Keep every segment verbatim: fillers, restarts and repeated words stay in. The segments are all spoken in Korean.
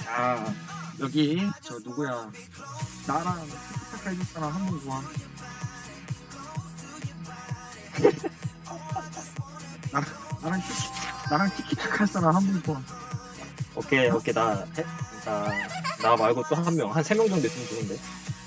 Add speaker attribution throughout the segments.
Speaker 1: 아, 여기 저 누구야? 나랑 티키타카 해줄 사람 한 분 구함. 나랑 나랑 티키 나랑 티키타카 할 사람 한 분 구함.
Speaker 2: 오케이 오케이 나 해? 나, 나 말고 또 한 명 한 세 명 정도 있으면 좋은데.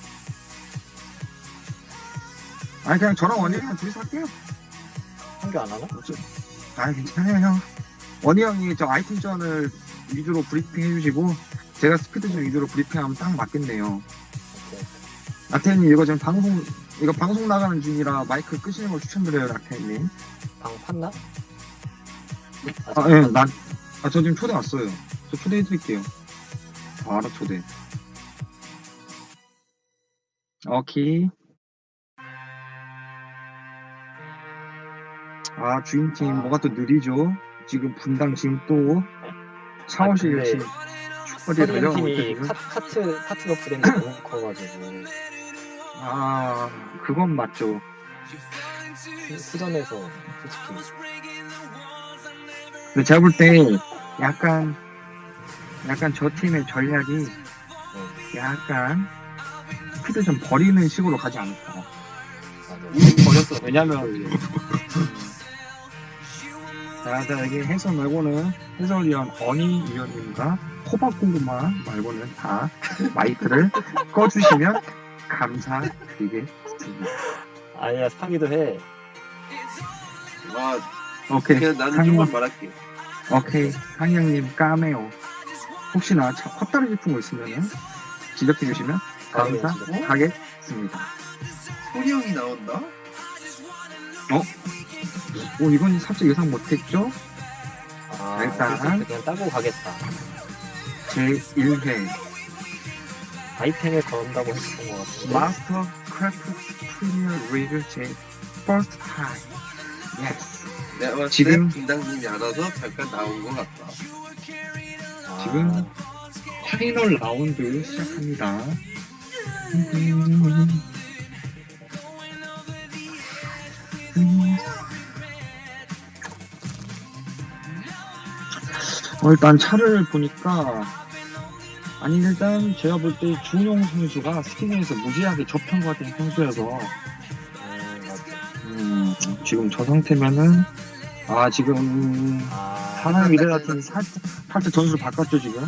Speaker 1: 아니 그냥 저랑 원희랑 둘이서 할게요.
Speaker 2: 한 개 안 하나?
Speaker 1: 아 괜찮아요 형. 원희 형이 저 아이템전을 위주로 브리핑 해주시고 제가 스피드전 위주로 브리핑하면 딱 맞겠네요.
Speaker 2: 오케이.
Speaker 1: 라테님 이거 지금 방송 이거 방송 나가는 중이라 마이크 끄시는 걸 추천드려요 라테님.
Speaker 2: 방 팠나?
Speaker 1: 아 예, 난 아 저 지금 초대 왔어요. 저 초대해드릴게요. 바로 초대. 오케이. 아 주인팀 뭐가 또 느리죠? 지금 분당 지금 또 샤워실
Speaker 2: 아, 근데
Speaker 1: 지금 축구리 달려가고
Speaker 2: 팀이
Speaker 1: 있거든요.
Speaker 2: 카, 카트 카트 업그레이드 너무 커가지고
Speaker 1: 아 그건 맞죠.
Speaker 2: 후전에서 솔직히
Speaker 1: 근데 제가 볼 때 약간 약간 저 팀의 전략이
Speaker 2: 네,
Speaker 1: 약간 스피드 좀 버리는 식으로 가지 않을까.
Speaker 2: 맞아.
Speaker 1: 이미 버렸어. 왜냐면 자, 자 여기 해설 말고는 해설위원 어니 위원님과 호박고구마 말고는 다 마이크를 꺼주시면 감사드리겠습니다.
Speaker 2: 아니야 상의도 해.
Speaker 3: 아,
Speaker 1: 오케이.
Speaker 3: 그냥 나는
Speaker 1: 상의.
Speaker 3: 좀만 말할게.
Speaker 1: 오케이. 상영님 까메오. 혹시나 차- 헛다리 짚은 거 있으면 지적해 주시면
Speaker 2: 까메오
Speaker 1: 감사하겠습니다.
Speaker 3: 소리 형이 나온다?
Speaker 1: 오 이건 살짝 예상 못했죠?
Speaker 2: 아
Speaker 1: 일단.
Speaker 2: 그냥 따고 가겠다.
Speaker 1: 제일 회
Speaker 2: 아이템을 건다고 했었던 것 같은데.
Speaker 1: 마스터 크래프트 프리미어 리그 제 퍼스트 타임. 예스.
Speaker 3: 내가 봤을
Speaker 1: 지금-
Speaker 3: 때 분당님이 알아서 잠깐 나온 것 같다.
Speaker 2: 아,
Speaker 1: 지금 파이널 라운드 시작합니다. 어, 일단 차를 보니까 아니 일단 제가 볼 때 준용 선수가 스키닝에서 무지하게 접한 것 같은 선수여서
Speaker 2: 음, 맞아.
Speaker 1: 음, 지금 저 상태면은 아 지금
Speaker 2: 아,
Speaker 1: 하나의 미래 같은 살짝 살짝 전술 바꿨죠 지금.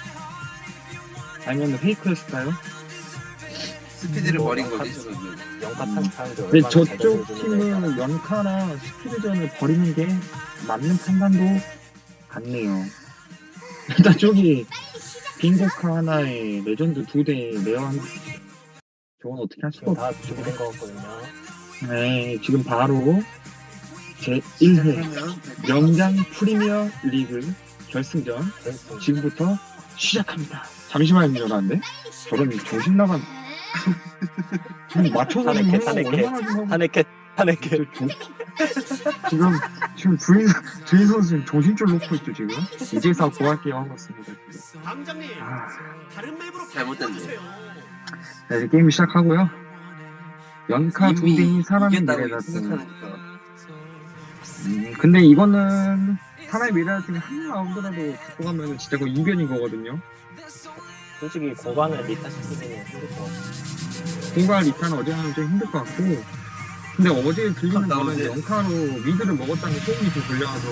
Speaker 1: 아니면 페이크였을까요?
Speaker 3: 스피드를
Speaker 2: 뭐,
Speaker 3: 버린
Speaker 2: 약간-
Speaker 3: 거지, 저는.
Speaker 2: 영타
Speaker 1: 음.
Speaker 2: 탄타인데
Speaker 1: 근데
Speaker 2: 얼마나
Speaker 1: 저쪽
Speaker 2: 제대로 해주는
Speaker 1: 팀은 연카나 스피드전을 버리는 게 맞는 판단도 같네요. 일단 저기 빙고카 하나에 레전드 두 대 내어한 저건 어떻게 할 수가
Speaker 2: 지금 다
Speaker 1: 없죠.
Speaker 2: 준비된 것 같거든요.
Speaker 1: 네, 지금 바로 제일 회
Speaker 3: 시작하면
Speaker 1: 명장 프리미어 리그 결승전
Speaker 2: 결승.
Speaker 1: 지금부터 시작합니다. 잠시만요, 저런데 저런 정신 나간 지금 맞춰서 좀
Speaker 2: 타네케,
Speaker 1: 해요.
Speaker 2: 타네케.
Speaker 1: 얼마나 좀 하고
Speaker 2: 타네켓 타네켓.
Speaker 1: 저- 저- 지금 지금 주인 주인 선수 지금 정신줄 놓고 있죠 지금. 이제서 고할게요 하고 있습니다. 지금.
Speaker 4: 당장님
Speaker 1: 아,
Speaker 4: 다른 맵으로
Speaker 3: 잘못됐네.
Speaker 4: 바꿔주세요.
Speaker 1: 자, 이제 게임 시작하고요. 연카 두
Speaker 3: 이미
Speaker 1: 대인 사람의
Speaker 3: 이겼다고
Speaker 1: 미래다.
Speaker 3: 생각하니까.
Speaker 1: 음, 근데 이거는 사람의 미래라팀이 한 라운드라도 듣고 가면 진짜 그 이변인 거거든요.
Speaker 2: 솔직히 고반을 리타 시키기는 힘들 것 같아.
Speaker 1: 공갈 리타는 어제 하면 좀 힘들 것 같고. 근데 어제 들리는
Speaker 3: 나
Speaker 1: 거는
Speaker 3: 어제-
Speaker 1: 연카로 미드를 먹었다는 소문이 좀 들려와서.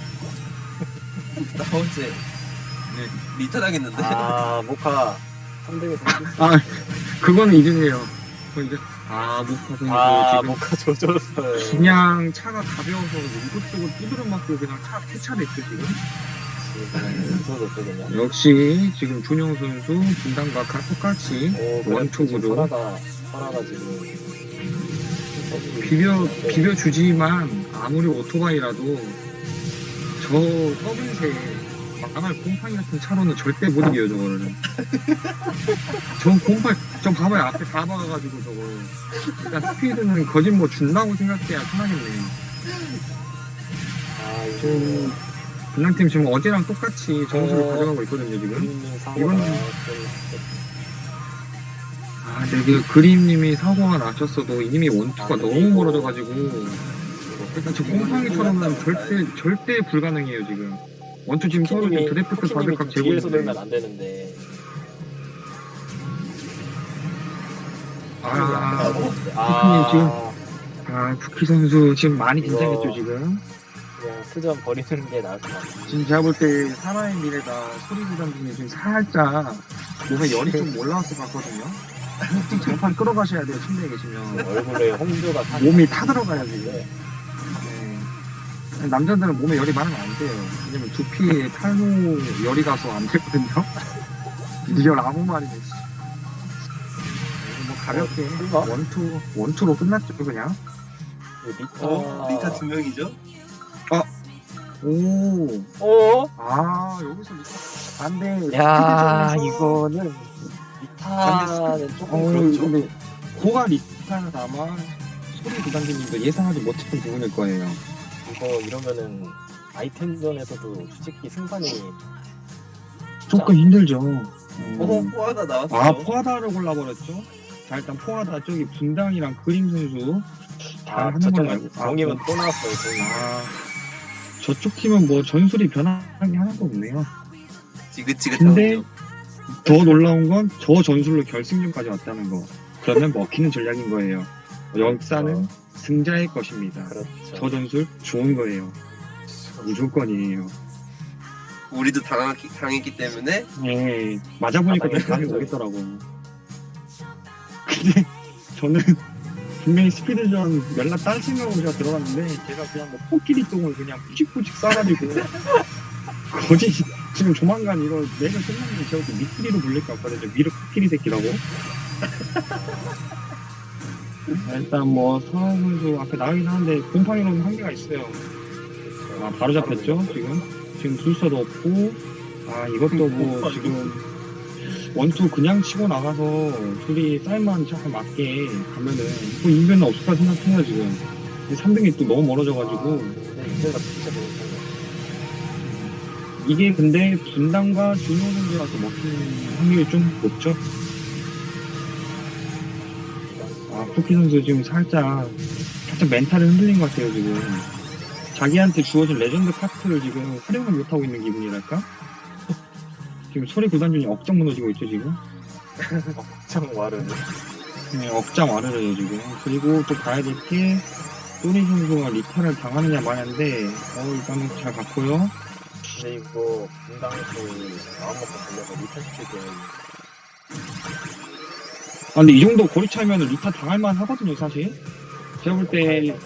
Speaker 3: 나 어제
Speaker 1: 네.
Speaker 3: 리턴 하겠는데?
Speaker 2: 아 모카 삼 등에
Speaker 1: 아, 그거는 이중이에요. 그 이제 아 모카 선수
Speaker 2: 아
Speaker 1: 지금
Speaker 2: 모카 조졌어요.
Speaker 1: 그냥 차가 가벼워서 이것저것 두드려 맞고 그냥 차 폐차됐죠 지금.
Speaker 2: 조졌어 그냥.
Speaker 1: 역시 지금 준영 선수 분당과 똑같이
Speaker 2: 오 그래
Speaker 1: 원투구로
Speaker 2: 설아가 설아가 지금
Speaker 1: 비벼 비벼 주지만 아무리 오토바이라도 저 서빙세 망할 곰팡이 같은 차로는 절대 못 이겨요 저거를. 저 곰팡이 저 봐봐요 앞에 다 박아가지고 저거. 일단 스피드는 거짓 뭐 준다고 생각해야 편하겠네요.
Speaker 2: 아 이거
Speaker 1: 지금 분당팀 지금 어제랑 똑같이 점수를
Speaker 2: 어.
Speaker 1: 가져가고 있거든요 지금.
Speaker 2: 그림님 사고가
Speaker 1: 이건-
Speaker 2: 좀
Speaker 1: 아 근데 그 그림님이 사고가 나셨어도 이미 원투가
Speaker 2: 아,
Speaker 1: 너무
Speaker 2: 이거-
Speaker 1: 멀어져가지고 일단 저 곰팡이처럼은 절대 절대 불가능해요 지금. 원투 지금 서로 지금
Speaker 2: 쿠키님이
Speaker 1: 드래프트
Speaker 2: 쿠키님이
Speaker 1: 바둑각
Speaker 2: 좀
Speaker 1: 재고
Speaker 2: 뒤에서
Speaker 1: 있는데.
Speaker 2: 놀면 안 되는데.
Speaker 1: 아,
Speaker 2: 아,
Speaker 1: 지금- 아, 쿠키 선수 지금 많이
Speaker 2: 이거-
Speaker 1: 긴장했죠, 지금.
Speaker 2: 그냥 스전 버리는 게 나을 것 같아.
Speaker 1: 지금 제가 볼 때 사나의 미래가 소리 구단 중에 지금 살짝 몸에 열이 좀 올라왔을 것 같거든요. 지금 장판 끌어가셔야 돼요, 침대에 계시면.
Speaker 2: 얼굴에 홍조가 타.
Speaker 1: 몸이 타들어가야 돼요.
Speaker 2: 네.
Speaker 1: 네. 남자들은 몸에 열이 많으면 안 돼요. 왜냐면 두피에 탈모 열이 가서 안 되거든요. 이열 아무 말이네. 씨. 뭐 가볍게
Speaker 2: 어,
Speaker 1: 원투 원투로 끝났죠 그냥.
Speaker 2: 리타.
Speaker 3: 어, 리타 두 명이죠?
Speaker 1: 오,
Speaker 2: 어?
Speaker 1: 아 여기서 리타 안돼.
Speaker 2: 야, 이거는 리타는 조금
Speaker 1: 어,
Speaker 2: 그렇죠.
Speaker 1: 근데 고가 리타는 아마 소리 구단주님도 예상하지 못했던 부분일 거예요.
Speaker 2: 이거 이러면은 아이템전에서도 솔직히 승산이
Speaker 1: 조금 힘들죠.
Speaker 3: 어,
Speaker 1: 음.
Speaker 3: 포하다 나왔어.
Speaker 1: 아 포하다를 골라버렸죠. 자 일단 포하다 저기 분당이랑 그림 선수 잘
Speaker 2: 아,
Speaker 1: 하는 걸로
Speaker 2: 저쪽은
Speaker 1: 알고. 아,
Speaker 2: 정임은 또 나왔어요. 정임.
Speaker 1: 아 저쪽 팀은 뭐 전술이 변한 게 하나도 없네요.
Speaker 3: 지긋지긋한
Speaker 1: 근데
Speaker 3: 거.
Speaker 1: 더 놀라운 건 저 전술로 결승전까지 왔다는 거. 그러면 먹히는 전략인 거예요. 역사는 승자의 것입니다.
Speaker 2: 그렇죠.
Speaker 1: 저 전술 좋은 거예요. 무조건이에요.
Speaker 3: 우리도 당했기, 당했기 때문에
Speaker 1: 예, 맞아보니까
Speaker 2: 아,
Speaker 1: 좀 감이
Speaker 2: 맞아요.
Speaker 1: 오겠더라고. 근데 저는 분명히 스피드전 연락 딸 생각으로 제가 들어갔는데 제가 그냥 뭐 코끼리 똥을 그냥 뿌직뿌직 싸가지고 거짓 지금 조만간 이거 내가 끝나면 제가 또 미끼리로 불릴 것 같거든요. 미르 코끼리 새끼라고. 일단 뭐 서한 선수 앞에 나가긴 하는데 곰팡이로는 한계가 있어요. 아 바로 잡혔죠 지금. 지금 순서도 없고 아 이것도 뭐 지금 원투 그냥 치고 나가서 둘이 사인만 잘 맞게 가면은 뭐 인변은 없을 거라 생각해요 지금. 삼 등이 또 너무 멀어져가지고
Speaker 2: 네, 이제가 진짜 좋은
Speaker 1: 이게 근데 분당과 준호 선수라서 먹히는 확률이 좀 높죠. 아 쿠키 선수 지금 살짝 살짝 멘탈을 흔들린 것 같아요 지금. 자기한테 주어진 레전드 카트를 지금 활용을 못하고 있는 기분이랄까? 지금 소리 구단준이 억장 무너지고 있죠 지금.
Speaker 2: 참 와르는.
Speaker 1: 네, 억장 와르르요 지금. 그리고 또 봐야 될 게 소니 선수가 리타를 당하느냐 마냐인데 어 일단은 잘 갔고요.
Speaker 2: 근데 이거 분당에서 마음먹고 달려서 리타 시키고
Speaker 1: 아 근데 이 정도 거리 차이면 리타 당할만 하거든요 사실. 제가 볼 때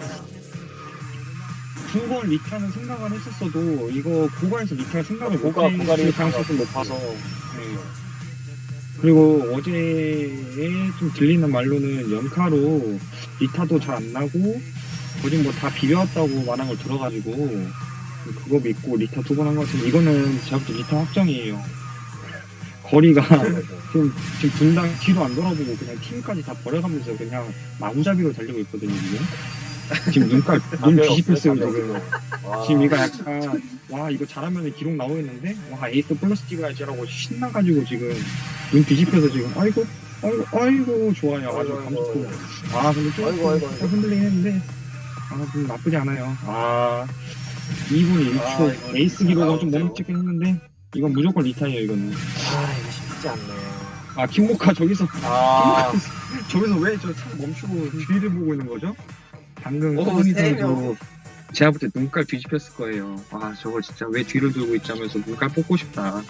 Speaker 1: 두 번 리타는 생각을 했었어도 이거 고가에서 리타를 생각을
Speaker 2: 고가
Speaker 1: 못했을
Speaker 2: 고가리
Speaker 1: 가능성이 좀
Speaker 2: 높아서
Speaker 1: 높아서. 네. 그리고 어제에 좀 들리는 말로는 연카로 리타도 잘 안 나고 거짓 뭐 다 비벼왔다고 말한 걸 들어가지고 그거 믿고 리타 두 번 한 것 같은데 이거는 제가 볼 때 리타 확정이에요. 거리가 지금, 지금 분당 뒤로 안 돌아보고 그냥 팀까지 다 버려가면서 그냥 마구잡이로 달리고 있거든요 지금. 지금 눈깔 눈 뒤집혔어요 지금. 지금 이거 약간 와 이거 잘하면 기록 나오겠는데 와 에이스 플러스 찍어야지라고 신나가지고 지금 눈 뒤집혀서 지금 아이고 아이고 아이고 좋아요 아주
Speaker 2: 아이고,
Speaker 1: 감 좋고.
Speaker 2: 아이고.
Speaker 1: 아 근데 좀
Speaker 2: 아이고, 아이고, 아이고.
Speaker 1: 흔들리긴 했는데 아 좀 나쁘지 않아요. 아 이 분 일 초
Speaker 3: 아, 이거
Speaker 1: 에이스
Speaker 3: 진짜
Speaker 1: 기록은 좀
Speaker 3: 나오죠.
Speaker 1: 멈찍긴 했는데 이건 무조건 리타예요 이거는.
Speaker 2: 아 이거 쉽지 않네요.
Speaker 1: 아 킹모카 저기서
Speaker 2: 아
Speaker 1: 저기서 왜 저 차 멈추고 뒤를 보고 있는 거죠? 방금
Speaker 3: 오,
Speaker 1: 소니
Speaker 3: 세
Speaker 1: 선수
Speaker 3: 명.
Speaker 1: 제가 볼 때 눈깔 뒤집혔을 거예요. 아 저거 진짜 왜 뒤를 들고 있자면서 눈깔 뽑고 싶다.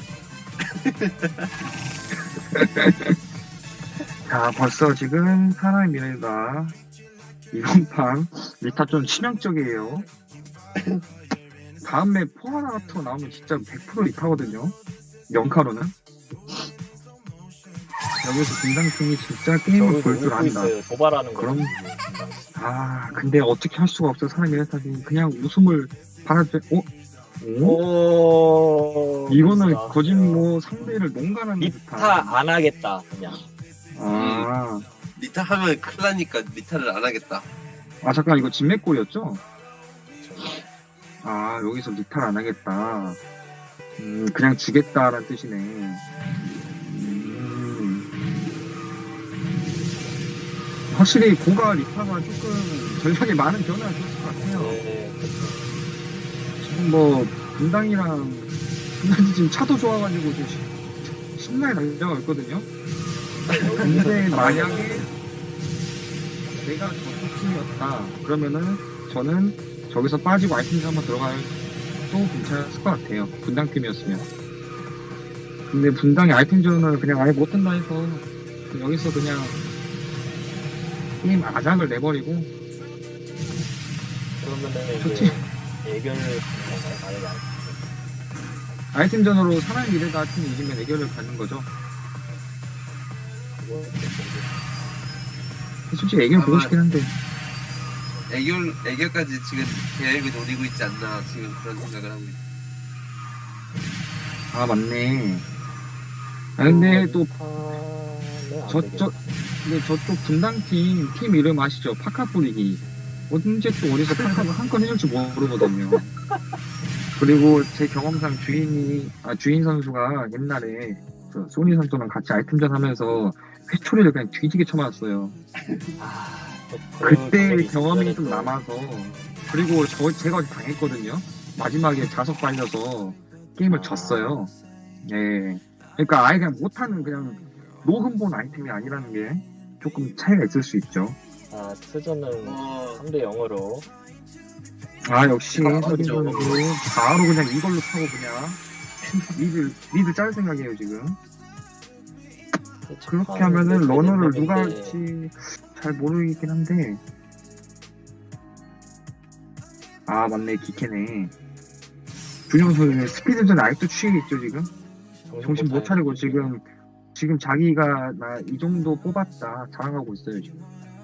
Speaker 1: 자 벌써 지금 사나이 미래가 이번 판 리타 좀 치명적이에요. 다음에 포하나토 나오면 진짜 백 퍼센트 리타거든요. 영카로는. 여기서 분당팀이 진짜 게임을 볼 줄 안다.
Speaker 2: 있어요. 도발하는 거.
Speaker 1: 그럼- 아 근데 어떻게 할 수가 없어 사람이 이랬다니 그냥 웃음을 바라지 어? 오?
Speaker 2: 오
Speaker 1: 이거는
Speaker 2: 진짜.
Speaker 1: 거짓 뭐 상대를 농간하는 듯한
Speaker 2: 리타 안 하겠다 그냥.
Speaker 1: 아,
Speaker 3: 리타 하면 큰일 나니까 리타를 안 하겠다.
Speaker 1: 아 잠깐 이거 진맥골이었죠? 아 여기서 리타를 안 하겠다 음 그냥 주겠다라는 뜻이네. 음, 확실히 고가 리타가 조금 전략에 많은 변화가 있을 것 같아요.
Speaker 2: 네,
Speaker 1: 지금 뭐 분당이랑 분당이 지금 차도 좋아가지고 좀 시- 신나게 달려가고 있거든요. 근데 만약에 내가 저쪽 팀이었다 그러면은 저는 저기서 빠지고 아이템즈 한번 들어가도 괜찮았을 것 같아요. 분당 팀이었으면. 근데 분당이 아이템전을 그냥 아예 못한다 해서 여기서 그냥 게임 아작을 내버리고
Speaker 2: 그러면은
Speaker 1: 좋지.
Speaker 2: 이제 애결을 가는 건가요? 만약에 안
Speaker 1: 아이템전으로 사나이 미래가 팀이 이기면 애결을 갖는 거죠.
Speaker 2: 그거
Speaker 1: 솔직히 애결 보고
Speaker 3: 아마-
Speaker 1: 싶긴 한데
Speaker 3: 애결 애결까지 지금 계획을 노리고 있지 않나 지금 그런 생각을 하고 있어.
Speaker 1: 아 맞네. 아 근데 또
Speaker 2: 판은 안
Speaker 1: 저,
Speaker 2: 되겠다.
Speaker 1: 저, 근데 저쪽 분당팀, 팀 이름 아시죠? 파카 뿌리기. 언제 또 어디서 파카가 한 건 해줄지 모르거든요. 그리고 제 경험상 주인이, 아, 주인 선수가 옛날에 그 소니 선수랑 같이 아이템전 하면서 회초리를 그냥 뒤지게 쳐맞았어요.
Speaker 2: 아, 또 그
Speaker 1: 그때
Speaker 2: 경험이
Speaker 1: 경험이
Speaker 2: 있으면은
Speaker 1: 좀
Speaker 2: 또-
Speaker 1: 남아서. 그리고 저, 제가 어디 당했거든요. 마지막에 자석 발려서 게임을
Speaker 2: 아.
Speaker 1: 졌어요. 예. 그러니까 아예 그냥 못하는 그냥 노흠본 아이템이 아니라는 게 조금 차이가 있을 수 있죠.
Speaker 2: 아, 스전은
Speaker 3: 어,
Speaker 2: 삼 대 영으로
Speaker 1: 아 역시
Speaker 3: 아,
Speaker 1: 서진
Speaker 3: 그렇죠.
Speaker 1: 선수 바로 그냥 이걸로 타고 그냥 리드 리드 짤 생각이에요 지금. 그렇게 하면은 러너를 누가 할지 잘 모르겠긴 한데. 아 맞네 기캐네. 준영 선수 스피드전 아직도 취해 있죠 지금. 정신 못 차리고 지금 지금 자기가 나 이 정도 뽑았다 자랑하고 있어요 지금.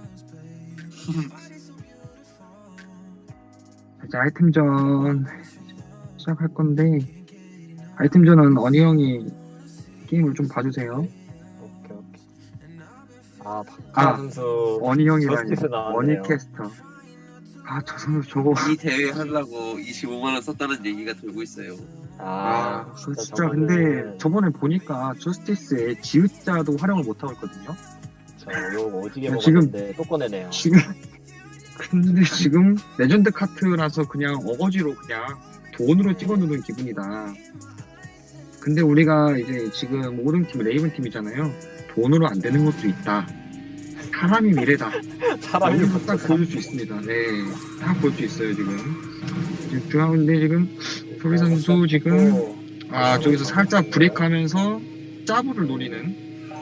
Speaker 1: 이제 아이템전 시작할 건데 아이템전은 어니 형이 게임을 좀 봐주세요.
Speaker 2: 오케이 오케이. 아, 박하
Speaker 1: 아,
Speaker 2: 선수
Speaker 1: 어니 형이라니
Speaker 2: 저스티스 나왔네요.
Speaker 1: 어니 캐스터. 아 저 선수 저거
Speaker 3: 이 대회 하려고 이십오만 원 썼다는 얘기가 돌고 있어요.
Speaker 2: 아,
Speaker 1: 아 진짜 근데
Speaker 2: 저거는
Speaker 1: 저번에 보니까 저스티스의 지읒자도 활용을 못하고 있거든요.
Speaker 2: 저욕 오지게
Speaker 1: 지금-
Speaker 2: 먹었는데 또 꺼내네요.
Speaker 1: 지금 근데 지금 레전드 카트라서 그냥 어거지로 그냥 돈으로 찍어누른 기분이다. 근데 우리가 이제 지금 오른팀 레이븐 팀이잖아요. 돈으로 안 되는 것도 있다. 사람이 미래다.
Speaker 2: 사람이
Speaker 1: 여기서 딱 보여줄 수 있습니다. 네, 딱 볼 수 있어요 지금. 지금 중앙인데 지금 소리 선수 지금 아 저기서 살짝 브레이크하면서 짜부를 노리는.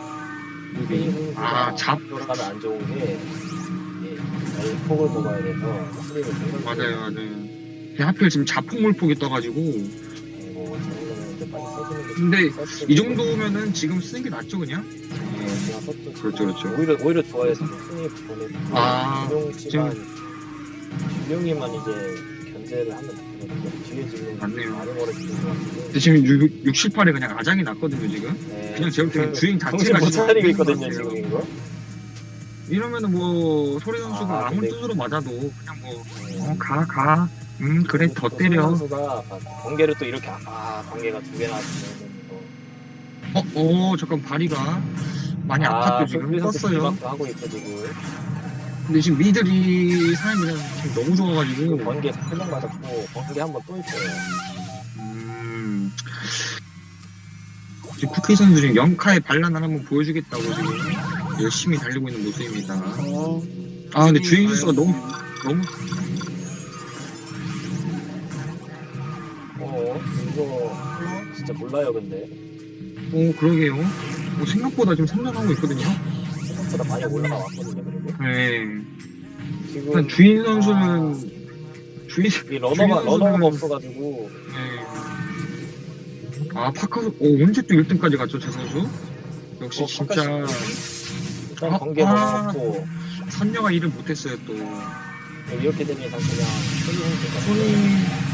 Speaker 1: 아, 잡.
Speaker 2: 돌아가면 안 좋은 게 이게 폭을 뽑아야 돼서 스윙을 굉장히
Speaker 1: 맞아요, 맞아요. 근데 하필 지금 자폭물폭이 떠가지고
Speaker 2: 뭐 저거는 이제 빨리 써주는 게
Speaker 1: 근데
Speaker 2: 써주는
Speaker 1: 이
Speaker 2: 게
Speaker 1: 정도면은 지금 쓰는 게 낫죠 그냥?
Speaker 2: 네, 그냥 썼죠.
Speaker 1: 그렇죠, 그렇죠.
Speaker 2: 오히려 오히려 좋아요. 승리 보내고
Speaker 1: 아,
Speaker 2: 준용 씨만 준용이만 이제 견제를 하면 되거든요. 뒤에 지금
Speaker 1: 맞네요.
Speaker 2: 많이 멀어지는 것 같은데.
Speaker 1: 근데 지금 육, 육, 칠, 팔에 그냥 아장이 났거든요 지금.
Speaker 2: 네,
Speaker 1: 그냥 제가 볼때 주행
Speaker 2: 정신
Speaker 1: 자체가
Speaker 2: 못
Speaker 1: 지금
Speaker 2: 차리고
Speaker 1: 없는
Speaker 2: 있거든요
Speaker 1: 것 같아요.
Speaker 2: 지금 이거.
Speaker 1: 이러면은 뭐 소리 선수가
Speaker 2: 아,
Speaker 1: 아, 무리
Speaker 2: 근데-
Speaker 1: 뜻으로 맞아도 그냥 뭐
Speaker 2: 네.
Speaker 1: 어, 가, 가. 음, 그래, 더
Speaker 2: 또
Speaker 1: 때려.
Speaker 2: 손 선수가 아, 번개를 또 이렇게 아 번개가 두 개 나왔으면
Speaker 1: 어, 어, 잠깐, 발이가 많이 아팠죠, 지금. 떴어요.
Speaker 2: 하고 있어 지금.
Speaker 1: 근데 지금 미들이 사람이랑 지금 너무
Speaker 2: 그
Speaker 1: 좋아가지고.
Speaker 2: 번개 세명 맞았고 번개 한 번 또 있어요.
Speaker 1: 음. 지금 쿠키 선수 지금 영카의 반란을 한번 보여주겠다고 지금 열심히 달리고 있는 모습입니다. 아, 근데 주인 선수가 너무, 너무.
Speaker 2: 어 이거 하나? 진짜 몰라요 근데
Speaker 1: 어, 그러게요. 어, 생각보다 지금 성장하고 있거든요.
Speaker 2: 생각보다 많이 올라가 왔거든요 그리고
Speaker 1: 네.
Speaker 2: 지금
Speaker 1: 일단 주인 선수는, 주인,
Speaker 2: 이 러너가
Speaker 1: 주인
Speaker 2: 러너가
Speaker 1: 선수는-
Speaker 2: 없어가지고
Speaker 1: 네. 아, 파카스, 어, 언제 또 일 등까지 갔죠, 제 선수? 역시
Speaker 2: 어,
Speaker 1: 진짜,
Speaker 2: 일단
Speaker 1: 아,
Speaker 2: 번개
Speaker 1: 아.
Speaker 2: 넘어갔고
Speaker 1: 선녀가 일을 못했어요, 또.
Speaker 2: 이렇게 되면 일단 그냥 소리 선수가
Speaker 1: 손이-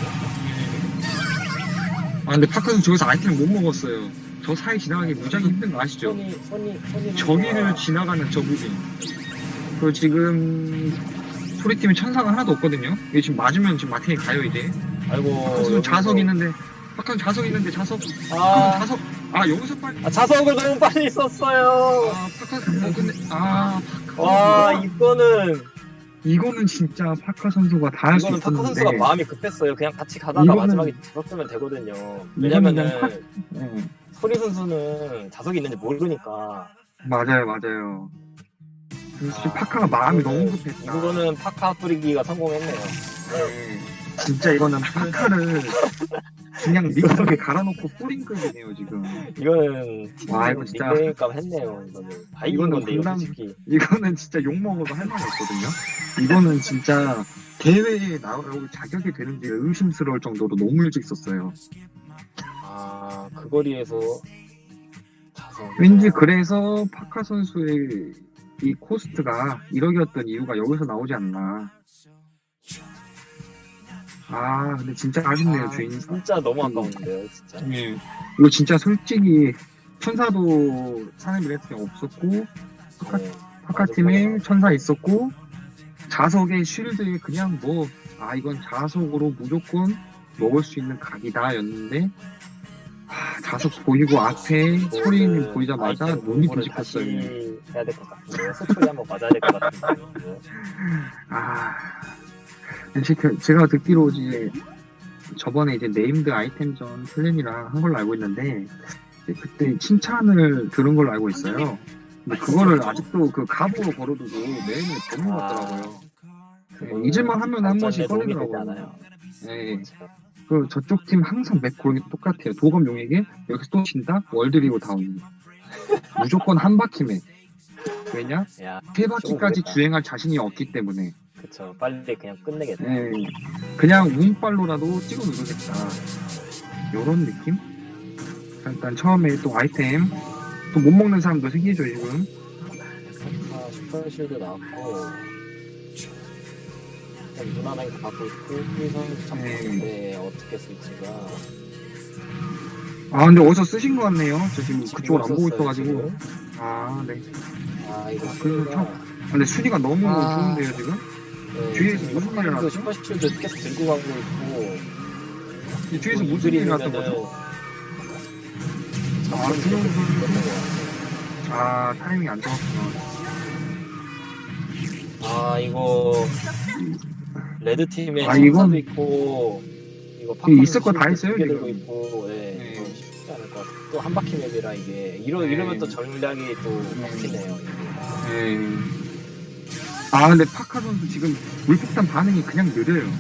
Speaker 1: 아, 근데 파카스 저기서 아이템을 못 먹었어요. 저 사이 지나가기 무지하게 힘든 거 아시죠?
Speaker 2: 손이 손이 손이
Speaker 1: 저기를 지나가는 저 부분. 그리고 지금, 소리팀에 천사가 하나도 없거든요? 이게 지금 맞으면 지금 마틴이 가요, 이제.
Speaker 2: 아이고
Speaker 1: 파카스
Speaker 2: 여기서-
Speaker 1: 자석 있는데, 파카스 자석 있는데, 자석. 파카스
Speaker 2: 아,
Speaker 1: 자석. 아, 여기서 빨리.
Speaker 2: 아 자석을 너무 빨리 썼어요.
Speaker 1: 아, 파카스, 어, 근데, 아, 파카스.
Speaker 2: 와 이거는
Speaker 1: 이거는 진짜 파카 선수가 다 할 수
Speaker 2: 이거는 파크
Speaker 1: 있었는데
Speaker 2: 선수가 마음이 급했어요. 그냥 같이 가다가
Speaker 1: 이거는-
Speaker 2: 마지막에 잡았으면 되거든요.
Speaker 1: 이거는
Speaker 2: 왜냐면은
Speaker 1: 그냥 네.
Speaker 2: 소리 선수는 자석이 있는지 모르니까.
Speaker 1: 맞아요, 맞아요. 역시
Speaker 2: 아,
Speaker 1: 파카가 마음이
Speaker 2: 이거는-
Speaker 1: 너무 급했다.
Speaker 2: 이거는 파카 뿌리기가 성공했네요.
Speaker 1: 네. 진짜 이거는 파카를 그냥 믹서기에 갈아놓고 뿌린 급이네요 지금.
Speaker 2: 이거는
Speaker 1: 와, 이거 진짜-
Speaker 2: 닉네임값 했네요. 이거는 다 이긴
Speaker 1: 이거는
Speaker 2: 건데 이거
Speaker 1: 분당-
Speaker 2: 솔직히.
Speaker 1: 이거는 진짜 욕 먹어도 할 말이 없거든요. 이거는 진짜 대회에 나올 자격이 되는지 의심스러울 정도로 너무 일찍 썼어요.
Speaker 2: 아그 거리에서 자석.
Speaker 1: 왠지 그래서 파카 선수의 이 코스트가 일억이었던 이유가 여기서 나오지 않나. 아 근데 진짜 아쉽네요
Speaker 2: 아,
Speaker 1: 주인.
Speaker 2: 진짜 너무 아까운데요, 진짜.
Speaker 1: 예. 이거 진짜 솔직히 천사도 사내 미래팀이 없었고 파카,
Speaker 2: 네.
Speaker 1: 파카 팀에 천사 있었고 자석의 쉴드에 그냥 뭐 아 이건 자석으로 무조건 먹을 수 있는 각이다였는데 아, 자석 보이고 앞에 소리님 보이자마자
Speaker 2: 아이템
Speaker 1: 눈이
Speaker 2: 공부를
Speaker 1: 뒤집혔어요.
Speaker 2: 다시 해야 될 것 같은데요. 소초리 한번 맞아야 될 것 같은데요.
Speaker 1: 아 제가, 제가 듣기로 이제 저번에 이제 네임드 아이템전 플랜이랑 한 걸로 알고 있는데 이제 그때 칭찬을 들은 걸로 알고 있어요. 근데 그거를 아직도 그 갑으로 걸어두고 매일매일 보는 것 같더라고요. 네, 잊을만 하면 한 번씩
Speaker 2: 발전에 도움이 되지
Speaker 1: 꺼내더라고요.
Speaker 2: 않아요.
Speaker 1: 네. 그 저쪽 팀 항상 맥 고르기 똑같아요. 도검 용에게 여기서 또 친다? 월드리고 다운. 무조건 한 바퀴 맥. 왜냐?
Speaker 2: 야,
Speaker 1: 세 바퀴까지
Speaker 2: 모르겠다.
Speaker 1: 주행할 자신이 없기 때문에.
Speaker 2: 그쵸. 빨리 그냥 끝내겠다.
Speaker 1: 네. 그냥 운빨로라도 찍어 누르겠다. 요런 느낌? 자, 일단 처음에 또 아이템 또 못 먹는 사람도 생기죠 지금.
Speaker 2: 아, 슈퍼실드 나왔고 일단 무난하게 갖고 있고 후선 잡혔는데 어떻게 쓸지가
Speaker 1: 아 근데 어디서 쓰신 것 같네요. 저 지금 그쪽을 안 보고
Speaker 2: 썼어요,
Speaker 1: 있어가지고.
Speaker 2: 지금.
Speaker 1: 아 네.
Speaker 2: 아 이거
Speaker 1: 그래서
Speaker 2: 수리가-
Speaker 1: 참- 아, 근데 순위가 너무
Speaker 2: 아.
Speaker 1: 좋은데요 지금?
Speaker 2: 네,
Speaker 1: 뒤에서
Speaker 2: 지금
Speaker 1: 무슨 일이
Speaker 2: 슈퍼실드
Speaker 1: 났죠?
Speaker 2: 슈퍼실드 계속 들고 가고 있고
Speaker 1: 이 뒤에서
Speaker 2: 뭐
Speaker 1: 무슨 일이
Speaker 2: 이글이
Speaker 1: 났던
Speaker 2: 되면은
Speaker 1: 거죠? 아 준영 선수. 아 타이밍이 안 좋았구나.
Speaker 2: 아 이거 레드 팀에
Speaker 1: 아,
Speaker 2: 천사도
Speaker 1: 이건-
Speaker 2: 있고 이거
Speaker 1: 이게 있을 거다 했어요,
Speaker 2: 두개
Speaker 1: 지금.
Speaker 2: 들고 있고 네,
Speaker 1: 네.
Speaker 2: 이거 쉽지 않을 것 같아. 또 한 바퀴 맵이라 이게 이러
Speaker 1: 네.
Speaker 2: 이러면 또 전략이 또
Speaker 1: 네.
Speaker 2: 바뀌네요. 이게.
Speaker 1: 네. 아 근데 파카 선수 지금 물폭탄 반응이 그냥 느려요.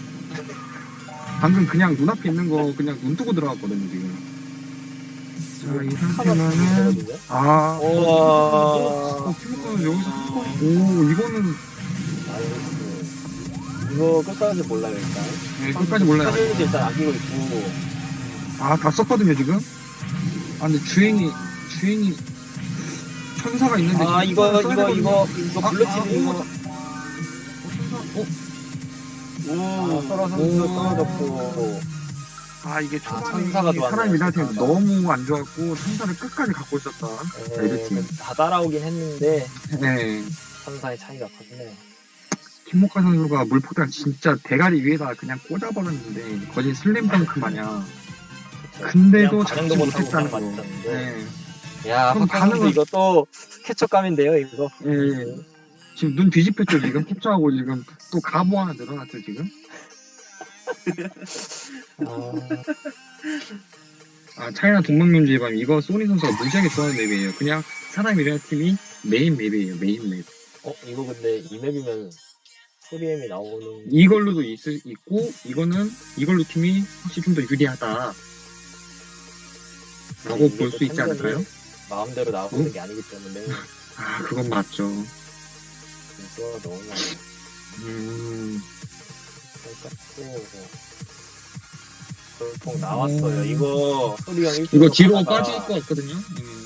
Speaker 1: 방금 그냥 눈앞에 있는 거 그냥 눈 뜨고 들어갔거든요 지금. 자이 상태면은
Speaker 2: 하거든요.
Speaker 1: 아
Speaker 2: 우와.
Speaker 1: 어, 팀워크는 여기서 한번 오 이거는
Speaker 2: 나이스. 이거 끝까지 몰라요 일단.
Speaker 1: 네, 끝까지 몰라요.
Speaker 2: 사진도 일단 안기고 있고.
Speaker 1: 아 다 썼거든요 지금. 아 근데 주행이 주행이 천사가 있는데
Speaker 2: 아
Speaker 1: 지금
Speaker 2: 이거
Speaker 1: 써야
Speaker 2: 이거
Speaker 1: 되거든요.
Speaker 2: 이거 이거
Speaker 1: 아,
Speaker 2: 블루팀
Speaker 1: 아,
Speaker 2: 이거.
Speaker 1: 오, 천사 어?
Speaker 2: 아, 서로 선수
Speaker 1: 오.
Speaker 2: 떨어졌고.
Speaker 1: 아 이게
Speaker 2: 아,
Speaker 1: 초반에
Speaker 2: 천사가 좋았네요,
Speaker 1: 사람이 나한테
Speaker 2: 천사가.
Speaker 1: 너무 안 좋았고 천사를 끝까지 갖고 있었다. 레드팀.
Speaker 2: 네, 다 따라오긴 했는데
Speaker 1: 네.
Speaker 2: 천사의 차이가 컸네요.
Speaker 1: 김목화 선수가 물폭탄 진짜 대가리 위에다 그냥 꽂아버렸는데 거진 슬램덩크 마냥.
Speaker 2: 그쵸?
Speaker 1: 근데도
Speaker 2: 그냥
Speaker 1: 잡지
Speaker 2: 반응도 못하고
Speaker 1: 못했다는
Speaker 2: 그냥
Speaker 1: 거.
Speaker 2: 맞췄는데.
Speaker 1: 네.
Speaker 2: 야,
Speaker 1: 그럼
Speaker 2: 박하 선수
Speaker 1: 반응은-
Speaker 2: 이거 또 캐처감인데요, 이거.
Speaker 1: 예. 지금 눈 뒤집혔죠 지금 캡처하고 지금 또 가보 하나 늘어났죠 지금.
Speaker 2: 아,
Speaker 1: 아 차이나 동방면주의 밤 이거 소니 선수가 무지하게 좋아하는 맵이에요. 그냥 사람이라는 팀이 메인 맵이에요 메인 맵.
Speaker 2: 어, 이거 근데 이 맵이면 소리엠이 나오는.
Speaker 1: 이걸로도 있, 있고 이거는 이걸로 팀이 확실히 좀 더 유리하다. 라고
Speaker 2: 이게
Speaker 1: 볼
Speaker 2: 또
Speaker 1: 수 있지
Speaker 2: 템전이
Speaker 1: 않을까요?
Speaker 2: 마음대로 나오는
Speaker 1: 응?
Speaker 2: 게 아니기 때문에
Speaker 1: 아 그건 맞죠.
Speaker 2: 점수가 너무 많이
Speaker 1: 음.
Speaker 2: 깎고. 돌풍 나왔어요. 이거 소리형 일
Speaker 1: 이거 뒤로 빠질 것 같거든요. 음.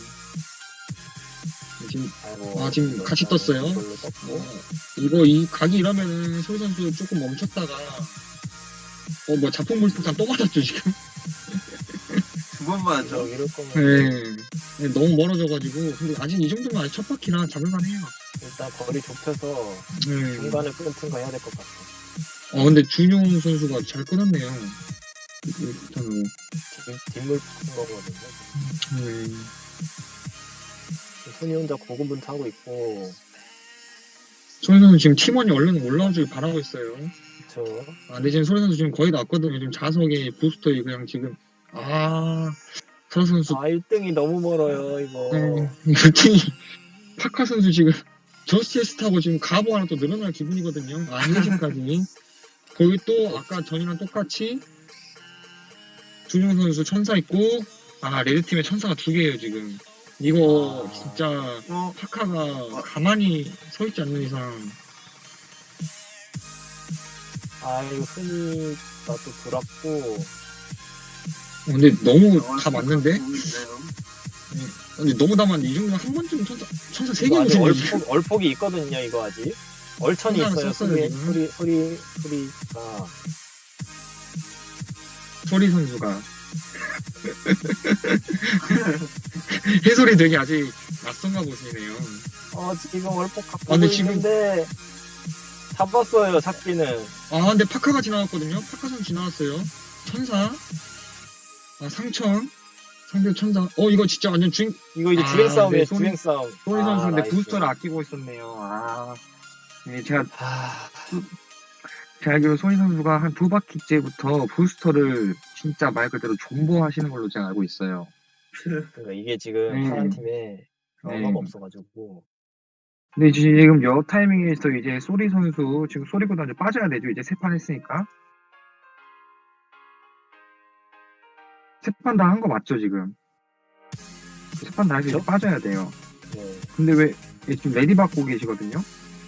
Speaker 1: 지금
Speaker 2: 아이고,
Speaker 1: 아, 지금 같이
Speaker 2: 일단
Speaker 1: 떴어요?
Speaker 2: 이걸로 떴고.
Speaker 1: 이거 이 각이 이러면은 소리 선수 조금 멈췄다가 어 뭐 자폭 물폭탄 또 맞았죠 지금.
Speaker 3: 두 번 맞죠.
Speaker 2: 저 이럴 거면
Speaker 1: 네. 네, 너무 멀어져가지고 근데 아직 이 정도면 아직 첫 바퀴라 잡을만해요.
Speaker 2: 일단 거리 좁혀서
Speaker 1: 네.
Speaker 2: 중간에 끊든 거 해야 될 것 같아.
Speaker 1: 어 근데 준용 선수가 잘 끊었네요. 일단은
Speaker 2: 뒷- 뒷물 푸는 거거든요.
Speaker 1: 네.
Speaker 2: 손이 혼자 고군분투하고 있고
Speaker 1: 소리 선수 지금 팀원이 얼른 올라오길 바라고 있어요.
Speaker 2: 저
Speaker 1: 아, 근데 지금 소리 선수 지금 거의 다 왔거든요. 지금 자석에 부스터 그냥 지금 아 소리 선수
Speaker 2: 아 일 등이 너무 멀어요 이거.
Speaker 1: 네, 일 등이 파카 선수 지금 저스티스 타고 지금 가보 하나 또 늘어날 기분이거든요. 아, 한시까지 거기 또 아까 전이랑 똑같이 준용 선수 천사 있고 아 레드팀에 천사가 두 개예요 지금. 이거
Speaker 2: 아.
Speaker 1: 진짜
Speaker 3: 어,
Speaker 1: 파카가 가만히 서 있지 않는 이상
Speaker 2: 아 이거 흔히가 또 돌았고.
Speaker 1: 어, 근데 너무
Speaker 3: 어,
Speaker 1: 다 맞는데?
Speaker 3: 보고 있나요?
Speaker 1: 근데 너무 다 맞는데 이 정도면 한 번쯤 천사 천사 세
Speaker 2: 이거 아직
Speaker 1: 개거든요.
Speaker 2: 얼폭, 얼폭이 있거든요 이거 아직. 얼천이
Speaker 1: 천사는
Speaker 2: 있어요.
Speaker 1: 썼어요,
Speaker 2: 소리
Speaker 1: 지금.
Speaker 2: 소리 소리 소리가.
Speaker 1: 소리 선수가 해설이 되게 아직 낯선가 보시네요.
Speaker 2: 어 지금 얼폭 갖고
Speaker 1: 아, 근데 지금-
Speaker 2: 있는데 잡았어요 잡기는.
Speaker 1: 아 근데 파카가 지나갔거든요. 파카 선수 지나갔어요. 천사 아 상천 상대 천사 어 이거 진짜 완전 주인
Speaker 2: 이거 이제
Speaker 1: 아,
Speaker 2: 주행 싸움이에요
Speaker 1: 네, 소리-
Speaker 2: 주행 싸움.
Speaker 1: 소리
Speaker 2: 아,
Speaker 1: 선수 근데
Speaker 2: 나이스.
Speaker 1: 부스터를 아끼고 있었네요. 아 네, 제가
Speaker 2: 아,
Speaker 1: 제가 알기로 소니 선수가 한 두 바퀴째부터 부스터를 진짜 말 그대로 존버하시는 걸로 제가 알고 있어요.
Speaker 2: 그러니까 이게 지금
Speaker 1: 네.
Speaker 2: 파란 팀에 언어가
Speaker 1: 네.
Speaker 2: 없어가지고.
Speaker 1: 근데 지금 여 타이밍에서 이제 소리 선수 지금 소리보다 이제 빠져야 되죠. 이제 세 판 했으니까 세 판 다 한 거 맞죠 지금? 세 판 다 해서 이제
Speaker 2: 그쵸?
Speaker 1: 빠져야 돼요.
Speaker 2: 네.
Speaker 1: 근데 왜 얘 지금 레디 받고 계시거든요?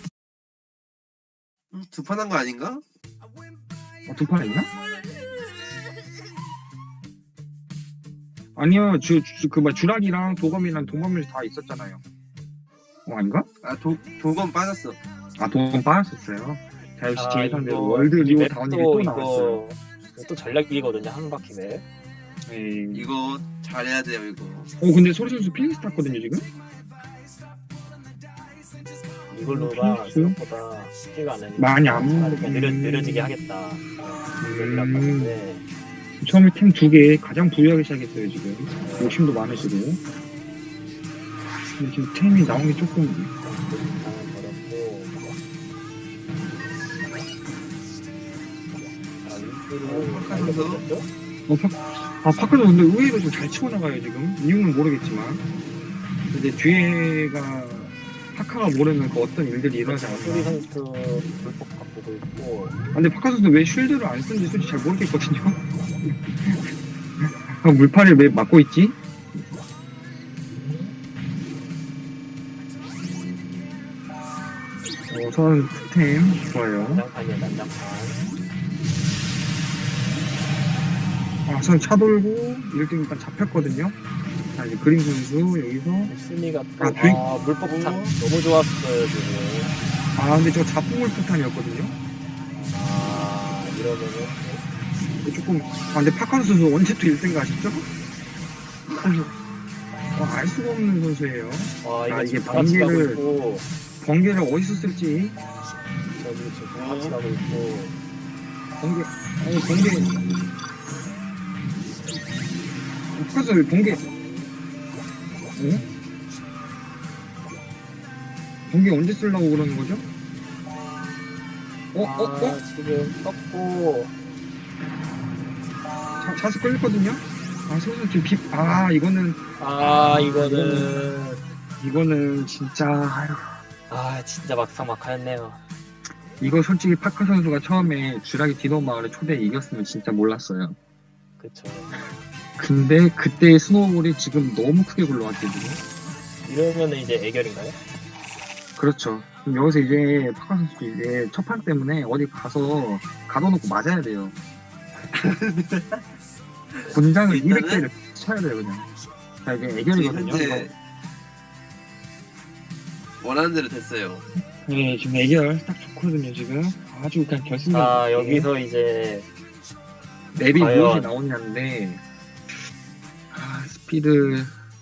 Speaker 3: 음, 두 판 한 거 아닌가?
Speaker 1: 어, 두 판 했나? 아니요, 주, 주, 그, 뭐, 주락이랑 도검이랑 동범이 다 있었잖아요. 어, 아닌가?
Speaker 3: 아, 도, 도건 빠졌어.
Speaker 1: 아, 도검 빠졌었어요. 자, 역시 제 예상대로
Speaker 2: 이거
Speaker 1: 월드
Speaker 2: 이
Speaker 1: 리오
Speaker 2: 맵도
Speaker 1: 다운힐이 또 나왔어요.
Speaker 2: 이거 또 전략이거든요 한 바퀴 맵.
Speaker 1: 네.
Speaker 3: 이거 잘해야 돼요, 이거.
Speaker 1: 어, 근데 소리 선수 필리스 탔거든요, 지금?
Speaker 2: 이걸로가
Speaker 1: 필리스?
Speaker 2: 생각보다 쉽지가 않으니까
Speaker 1: 많이 안
Speaker 2: 차라리
Speaker 1: 먹-
Speaker 2: 그냥 느려,
Speaker 1: 음.
Speaker 2: 느려지게 하겠다. 느려지라
Speaker 1: 음.
Speaker 2: 봤는데
Speaker 1: 처음에 팀 두 개 가장 부유하게 시작했어요, 지금. 욕심도 많으시고. 근데 지금 템이 나온 게 조금,
Speaker 2: 버렸고. 아 윈프를
Speaker 3: 어, 파카선수?
Speaker 1: 어, 파, 아, 파크도 근데 의외로 좀 잘 치고 나가요, 지금. 이유는 모르겠지만. 근데 뒤에가, 파카가 모르는 그 어떤 일들이 일어나지
Speaker 2: 소리
Speaker 1: 않았나.
Speaker 2: 선수 불법 바꾸고 있고.
Speaker 1: 아, 근데 파카 선수 왜 쉴드를 안 쓰는지 솔직히 잘 모르겠거든요. 아, 물파를 왜 막고 있지? 어, 선 템 좋아요.
Speaker 2: 난장판이야 난장판.
Speaker 1: 아, 선 차 돌고 일 등 일단 잡혔거든요. 자, 이제 그림 선수 여기서.
Speaker 2: 순위가 또
Speaker 1: 아,
Speaker 2: 아,
Speaker 1: 주인-
Speaker 2: 물법 탄 너무 좋았어요 지금.
Speaker 1: 아, 근데 저 자폭물 폭탄이었거든요.
Speaker 2: 아 이러면은
Speaker 1: 이거 조금, 아, 근데 파카 선수 언제 또 일 등 가시죠? 어, 알 수가 없는 선수예요.
Speaker 2: 와 이거
Speaker 1: 아,
Speaker 2: 지금
Speaker 1: 이게
Speaker 2: 다 같이 가고
Speaker 1: 번개를-
Speaker 2: 있고
Speaker 1: 번개를 어디서 쓸지.
Speaker 2: 저기 지금 다 같이 가고 있고.
Speaker 1: 번개, 어, 번개. 파카 선수 왜 번개. 어? 번개 언제 쓰려고 그러는 거죠? 어, 어, 어?
Speaker 2: 아, 지금 떴고.
Speaker 1: 자, 자수 끌렸거든요? 아, 선수 지금 비, 아, 이거는,
Speaker 2: 아 이거는
Speaker 1: 이거는 진짜, 아휴.
Speaker 2: 아 진짜 막상막하였네요.
Speaker 1: 이거 솔직히 파카 선수가 처음에 주라기 디노 마을에 초대 이겼으면 진짜 몰랐어요.
Speaker 2: 그쵸.
Speaker 1: 근데 그때의 스노우볼이 지금 너무 크게 굴러왔거든요.
Speaker 2: 이러면은 이제 애결인가요?
Speaker 1: 그렇죠. 그럼 여기서 이제 파카 선수 이제 첫 판 때문에 어디 가서 가둬놓고 맞아야 돼요. 군장을
Speaker 3: 일단은-
Speaker 1: 이백 개를 쳐야 돼요, 그냥. 자, 이게
Speaker 3: 지금
Speaker 1: 애결이거든요.
Speaker 3: 현재 원하는 대로 됐어요.
Speaker 1: 네, 지금 애결 딱 좋거든요, 지금. 아주 그냥 결승전.
Speaker 2: 아 여기서 이제
Speaker 1: 맵이
Speaker 2: 과연-
Speaker 1: 무엇이 나오냐인데, 아, 스피드.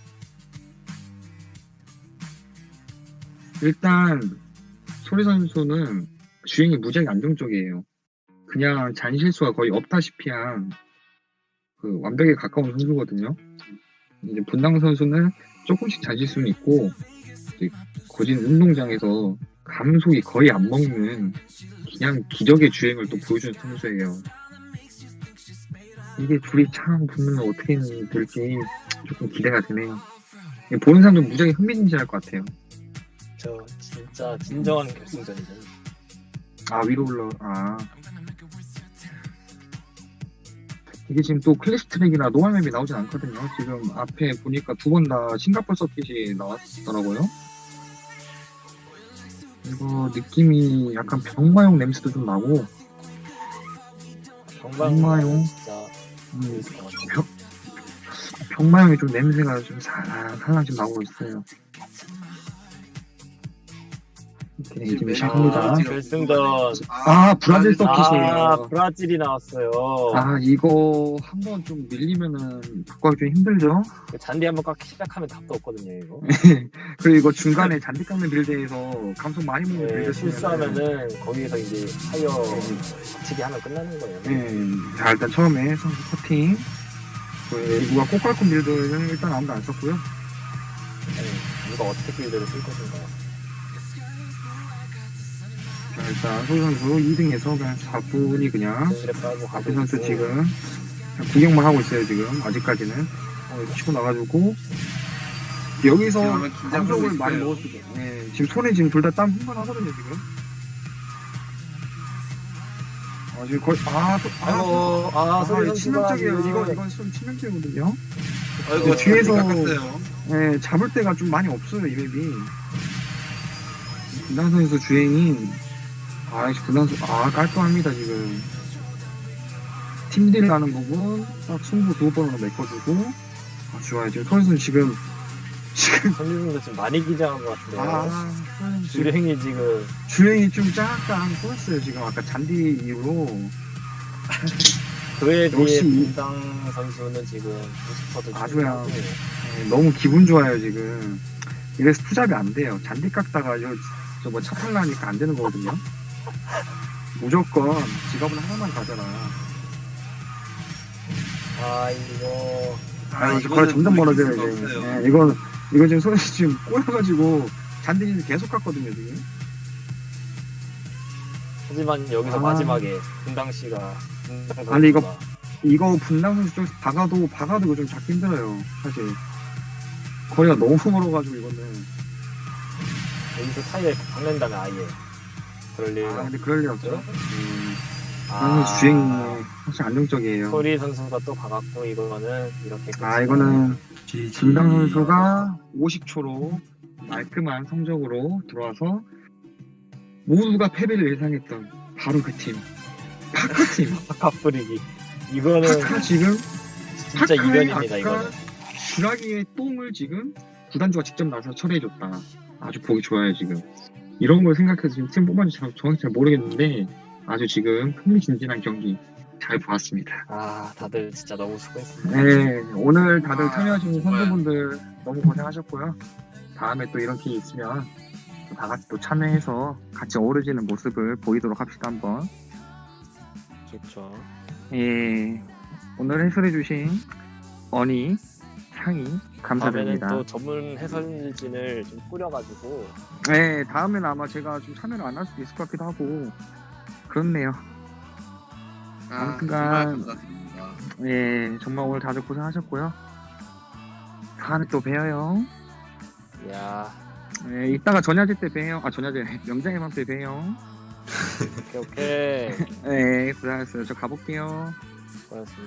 Speaker 1: 일단, 소리 선수는 주행이 무지하게 안정적이에요. 그냥 잔실수가 거의 없다시피 한, 그, 완벽에 가까운 선수거든요. 이제 분당 선수는 조금씩 잔실수는 있고, 이제 거진 운동장에서 감속이 거의 안 먹는 그냥 기적의 주행을 또 보여준 선수예요. 이게 둘이 참 붙으면 어떻게 될지 조금 기대가 되네요. 보는 사람도 무지하게 흥미진진할 것 같아요.
Speaker 2: 저 진짜 진정한 결승전이죠.
Speaker 1: 아 위로 올라 아 이게 지금 또 클래식 트랙이나 노멀맵이 나오진 않거든요. 지금 앞에 보니까 두 번 다 싱가포르 서킷이 나왔더라고요. 이거 느낌이 약간 병마용 냄새도 좀 나고
Speaker 2: 정말
Speaker 1: 정말요?
Speaker 2: 진짜
Speaker 1: 음,
Speaker 2: 재밌을 것 같아요.
Speaker 1: 병, 병마용이 좀 냄새가 좀 살랑살랑 좀 나오고 있어요. 이렇게 지금 시작합니다.
Speaker 2: 아, 결승전.
Speaker 1: 아, 브라질 서킷. 서킷이에요.
Speaker 2: 아, 브라질이 나왔어요.
Speaker 1: 아 이거 한번 좀 밀리면은 바꾸기 좀 힘들죠.
Speaker 2: 잔디 한번 깎기 시작하면 답도 없거든요, 이거.
Speaker 1: 그리고 이거 중간에 잔디 깎는 빌드에서 감속 많이 먹는
Speaker 2: 네,
Speaker 1: 빌드
Speaker 2: 실수하면은 거기에서 이제 타이어 거치기 하면 끝나는 거예요.
Speaker 1: 네, 자 일단 처음에 선수 커팅. 그 누가 꽃갈콘 빌드는 일단 아무도 안 썼고요.
Speaker 2: 네, 누가 어떻게 빌드를 쓸 것인가.
Speaker 1: 자 일단 소희 선수 이 등에서 그냥 사 분이 그냥
Speaker 2: 빌드를 깔고
Speaker 1: 앞에
Speaker 2: 가고
Speaker 1: 선수
Speaker 2: 있고.
Speaker 1: 지금 그냥 구경만 하고 있어요 지금 아직까지는. 어, 치고 나가지고 여기서
Speaker 3: 지금 긴장하고
Speaker 1: 감속을
Speaker 3: 있어요.
Speaker 1: 많이 먹었을 때 네, 지금 손에 지금 둘 다 땀 흥건하거든요 지금. 아 지금 거의 아, 또, 아,
Speaker 2: 아이고, 아,
Speaker 1: 아,
Speaker 2: 소리
Speaker 1: 이거 치명적이에요.
Speaker 2: 선수가
Speaker 1: 이거 이건 좀 치명적이거든요.
Speaker 3: 아이고
Speaker 1: 뒤에서-
Speaker 3: 뒤에서 깎았어요.
Speaker 1: 네, 잡을 때가 좀 많이 없어요 이 맵이. 분당선에서 주행이 아 분당선 아 깔끔합니다 지금. 팀딜 가는 부분 딱 승부 두 번으로 메꿔주고 아 좋아요 지금 선수는 지금 지금
Speaker 2: 선수도 지금 많이 기장한 것 같은데요.
Speaker 1: 아 선수 지금
Speaker 2: 주행이 지금
Speaker 1: 주행이 좀 약간 꼬였어요 지금 아까 잔디 이후로.
Speaker 2: 그에 비해
Speaker 1: 역시 이-
Speaker 2: 분당 선수는 지금 구십 퍼센트
Speaker 1: 아주야. 네, 너무 기분 좋아요 지금. 이래서 투잡이 안 돼요. 잔디 깎다가 저뭐 차 탈라니까 안 되는 거거든요. 무조건 지갑은 하나만 가져라.
Speaker 2: 아 이거
Speaker 1: 아, 이거
Speaker 3: 이거는
Speaker 1: 거의 점점
Speaker 3: 뭐
Speaker 1: 멀어져요
Speaker 3: 이길 수가
Speaker 1: 이제.
Speaker 3: 없어요.
Speaker 1: 네, 이거 이거 지금 손이 지금 꼬여가지고 잔디 계속 깎거든요 지금.
Speaker 2: 하지만 여기서
Speaker 1: 아.
Speaker 2: 마지막에 분당 씨가 분당
Speaker 1: 아니, 이거-
Speaker 2: 선수가
Speaker 1: 이거 분당 선수 쪽에서 박아도 박아도 이거 좀 잡기 힘들어요 사실. 거리가 너무 멀어가지고 이거는.
Speaker 2: 여기서 타이어에 박는다면 아예 그럴 일
Speaker 1: 아 근데 그럴 리 없죠.
Speaker 2: 없죠?
Speaker 1: 음,
Speaker 2: 아,
Speaker 1: 선수 주행이 확실히 안정적이에요.
Speaker 2: 소리 선수가 또 박았고 이거는 이렇게
Speaker 1: 아 이거는 진당 선수가 오십 초로 깔끔한 성적으로 들어와서 모두가 패배를 예상했던 바로 그 팀. 파카팀.
Speaker 2: 파카 뿌리기 이거는
Speaker 1: 파카 지금
Speaker 2: 진짜
Speaker 1: 파카의
Speaker 2: 이변입니다
Speaker 1: 아까
Speaker 2: 이거는.
Speaker 1: 주라기의 똥을 지금 구단주가 직접 나서 처리해줬다. 아주 보기 좋아요 지금. 이런 걸 생각해서 지금 팀 뽑았는지 잘- 정확히 잘 모르겠는데 아주 지금 흥미진진한 경기 잘 보았습니다.
Speaker 2: 아 다들 진짜 너무 수고했습니다.
Speaker 1: 네, 오늘 다들
Speaker 3: 아,
Speaker 1: 참여하신
Speaker 3: 정말.
Speaker 1: 선수분들 너무 고생하셨고요. 다음에 또 이런 기회 있으면 또 다 같이 또 참여해서 같이 어우러지는 모습을 보이도록 합시다 한번.
Speaker 2: 좋죠.
Speaker 1: 예, 오늘 해설해주신 어니, 상이
Speaker 2: 다음에는
Speaker 1: 감사드립니다.
Speaker 2: 또 전문 해설진을 좀 꾸려가지고
Speaker 1: 네, 다음에는 아마 제가 좀 참여를 안 할 수도 있을 것 같기도 하고 그렇네요.
Speaker 3: 아,
Speaker 1: 아무튼간-
Speaker 3: 정말 감사드립니다.
Speaker 1: 예, 정말 오늘 다들 고생하셨고요. 다음에 또 봬요.
Speaker 2: 야
Speaker 1: 예, 이따가 전야제 때 봬요. 아, 전야제 명장의 밤 때 봬요.
Speaker 2: 오케이 오케이
Speaker 1: 네, 고생하셨어요. 저 가볼게요.
Speaker 2: 수고하셨습니다.